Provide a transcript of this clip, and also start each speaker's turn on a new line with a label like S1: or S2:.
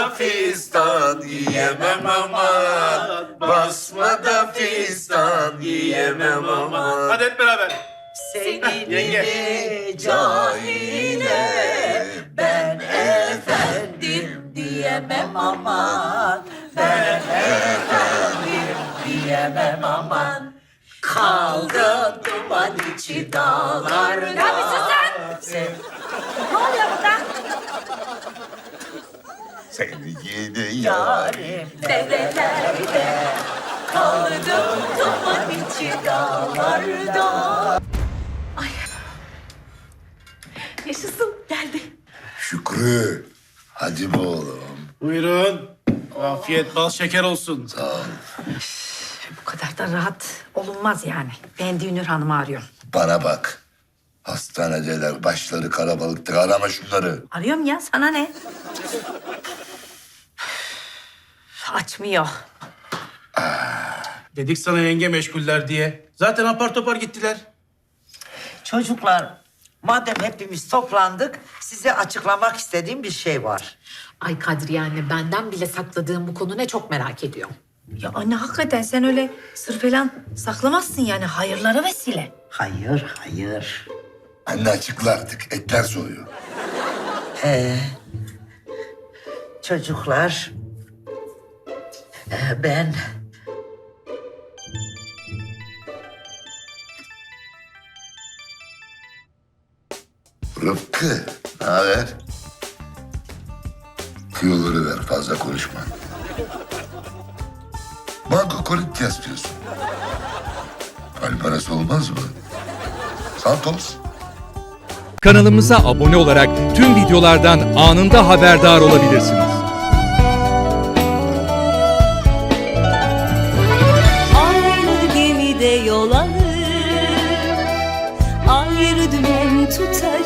S1: da fistan yiyemem aman. Basmada fistan yiyemem aman.
S2: Hadi hep beraber.
S3: Senin
S2: Yenge.
S3: gibi cahile ben efendim diyemem aman. Ben efendim diyemem aman. Kaldı duman içi dağlarda.
S4: Ne yapıyorsun sen? Ne oluyor burada?
S1: Seni yedi
S3: Yarim derelerde kaldım duman içi dağlarda.
S4: Yaşasın geldi.
S1: Şükrü. Hadi be oğlum.
S2: Buyurun. Afiyet bal şeker olsun.
S1: Sağ ol.
S4: Bu kadar da rahat olunmaz yani. Ben Dünür Hanım'ı arıyorum.
S1: Bana bak. Hastanedeler, başları kalabalıktır. Arama şunları.
S4: Arıyorum ya, sana ne? Açmıyor.
S2: Dedik sana yenge meşguller diye. Zaten apar topar gittiler.
S3: Çocuklar, madem hepimiz toplandık, size açıklamak istediğim bir şey var.
S5: Ay Kadriye anne, benden bile sakladığım bu konu ne, çok merak ediyorum.
S4: Ya anne hakikaten sen öyle sır falan saklamazsın yani. Hayırlara vesile.
S3: Hayır, hayır.
S1: Anne açıkla artık. Etler soğuyor.
S3: Çocuklar, ben
S1: Rıfkı, ne haber? Tüyoları ver, fazla konuşma. Banko kolit istiyorsun. Kalp arası olmaz mı? Santos.
S6: Kanalımıza abone olarak tüm videolardan anında haberdar olabilirsiniz.
S7: Aynı gemide yol alır, ayrı dümen tutar.